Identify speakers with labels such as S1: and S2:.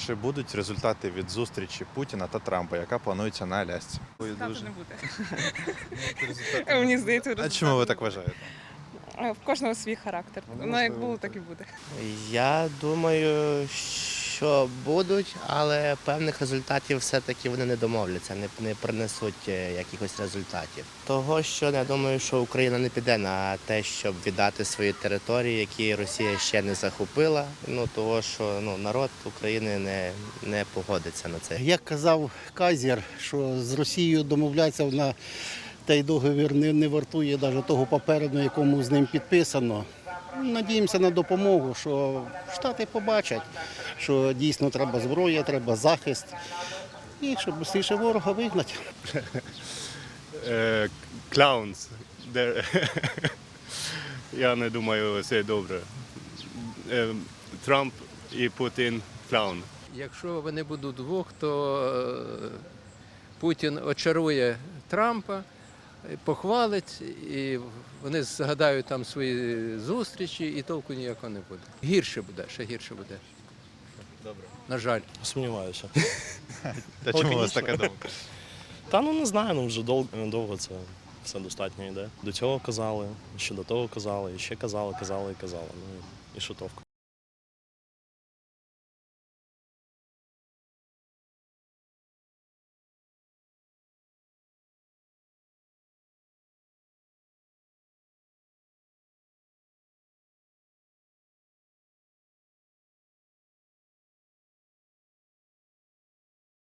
S1: Чи будуть результати від зустрічі Путіна та Трампа, яка планується на Алясці?
S2: Результату не буде. Мені здається,
S1: А
S2: результату
S1: чому ви
S2: не
S1: так
S2: буде.
S1: вважаєте?
S2: В кожного свій характер. Ну, як було, так і буде.
S3: Я думаю, що будуть, але певних результатів все-таки вони не домовляться, не принесуть якихось результатів. Того, що я думаю, що Україна не піде на те, щоб віддати свої території, які Росія ще не захопила. Того, що народ України не погодиться на це.
S4: Як казав Кайзер, що з Росією домовлятися на той договір не вартує навіть того паперу, на якому з ним підписано. Надіємося на допомогу, що Штати побачать, що дійсно треба зброя, треба захист, і щоб швидше ворога вигнати.
S5: Clowns. Я не думаю, це добре. Трамп і Путін клаун.
S6: Якщо вони будуть двох, то Путін очарує Трампа, похвалить, і вони згадають там свої зустрічі, і толку ніякого не буде. Гірше буде, ще гірше буде.
S1: Добре.
S6: На жаль.
S7: Сумніваюся.
S1: Та чому у вас така думка?
S7: Та не знаю, вже довго це все достатньо йде. До цього казали, ще до того казали, і ще казали. Ну і що товку.